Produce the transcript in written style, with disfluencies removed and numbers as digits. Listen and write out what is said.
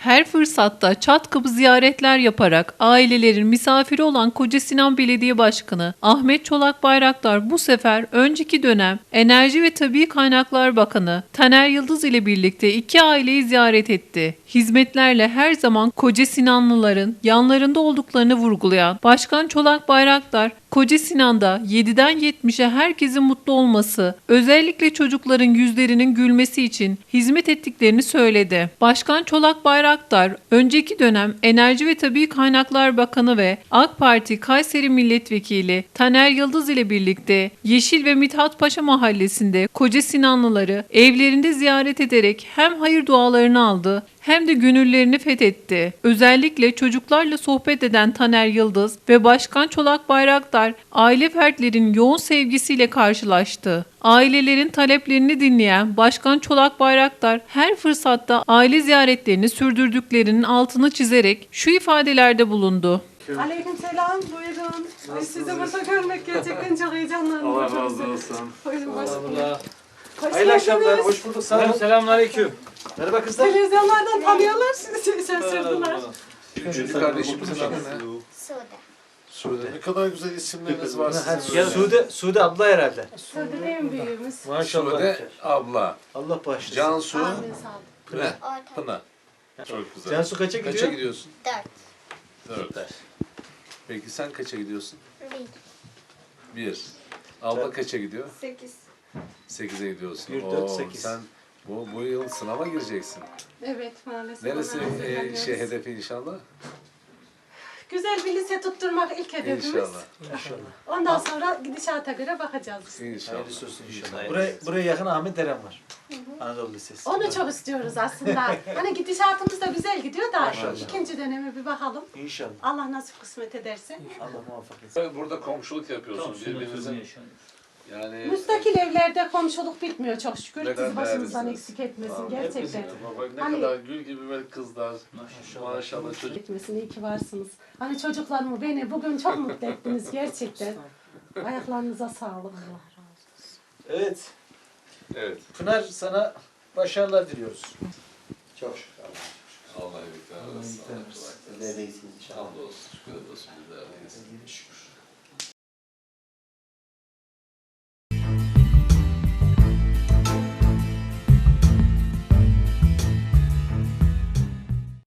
Her fırsatta çat kapı ziyaretler yaparak ailelerin misafiri olan Kocasinan Belediye Başkanı Ahmet Çolak Bayraktar bu sefer önceki dönem Enerji ve Tabii Kaynaklar Bakanı Taner Yıldız ile birlikte iki aileyi ziyaret etti. Hizmetlerle her zaman Kocasinanlıların yanlarında olduklarını vurgulayan Başkan Çolak Bayraktar, Kocasinan'da 7'den 70'e herkesin mutlu olması, özellikle çocukların yüzlerinin gülmesi için hizmet ettiklerini söyledi. Başkan Çolak Bayraktar, önceki dönem Enerji ve Tabii Kaynaklar Bakanı ve AK Parti Kayseri Milletvekili Taner Yıldız ile birlikte Yeşil ve Mithat Paşa Mahallesi'nde Kocasinanlıları evlerinde ziyaret ederek hem hayır dualarını aldı hem de gönüllerini fethetti. Özellikle çocuklarla sohbet eden Taner Yıldız ve Başkan Çolak Bayraktar aile fertlerin yoğun sevgisiyle karşılaştı. Ailelerin taleplerini dinleyen Başkan Çolak Bayraktar her fırsatta aile ziyaretlerini sürdürdüklerinin altını çizerek şu ifadelerde bulundu. Aleykümselam, buyurun. Ay, sizi burada görmek gerçekten çok heyecanlandım. Allah razı olsun. Buyurun, hoş Allah. Hoş Hayırlı akşamlar, geldiniz. hoş bulduk. Sağ olun. Selamünaleyküm. Merhaba kızlar. Televizyonlardan tanıyorlar, sizi şaşırdılar. Üçüncü kardeşimizin adı ne? Sude. Ne kadar güzel isimleriniz var sizin. Ya Sude abla herhalde. Sude en büyüğümüz. Maşallah. Sude abla. Allah bağışlasın. Cansu. Amin, sağ olun. Pınar. Pınar. Çok güzel. Cansu kaça gidiyor? Kaça gidiyorsun? 4. 4. Peki sen kaça gidiyorsun? 1. 1. Abla kaça gidiyor? 8. 8'e gidiyorsun. 1, 4, 8. Sen bu yıl sınava gireceksin. Evet, maalesef. Neresi ona hazırlanıyoruz. hedefi inşallah? Güzel bir lise tutturmak ilk hedefimiz. İnşallah. İnşallah. Ondan sonra gidişata göre bakacağız. İnşallah. Hayırlısı olsun inşallah. Buraya yakın Ahmet Eren var. Anadolu Lisesi. Onu çok istiyoruz aslında. Hani gidişatımız da güzel gidiyor da Maşallah. ikinci döneme bir bakalım. İnşallah. Allah nasip kısmet ederse. Allah muvaffak etsin. Burada komşuluk yapıyorsunuz birbirinizin. Yani Müstakil evlerde komşuluk bitmiyor çok şükür. Ne kadar Siz başımızdan değerlisiniz. eksik etmesin Aa, gerçekten. bak ne Hani- kadar gül gibi böyle kızlar. Maşallah çocuk. Etmesin, iyi ki varsınız. Hani çocuklarımı beni bugün çok mutlu ettiniz gerçekten. Ayaklarınıza sağlık. Evet. Evet. Pınar sana başarılar diliyoruz. Çok şükür. Allah'a emanet olun. Hamdolsun. Şükür olsun.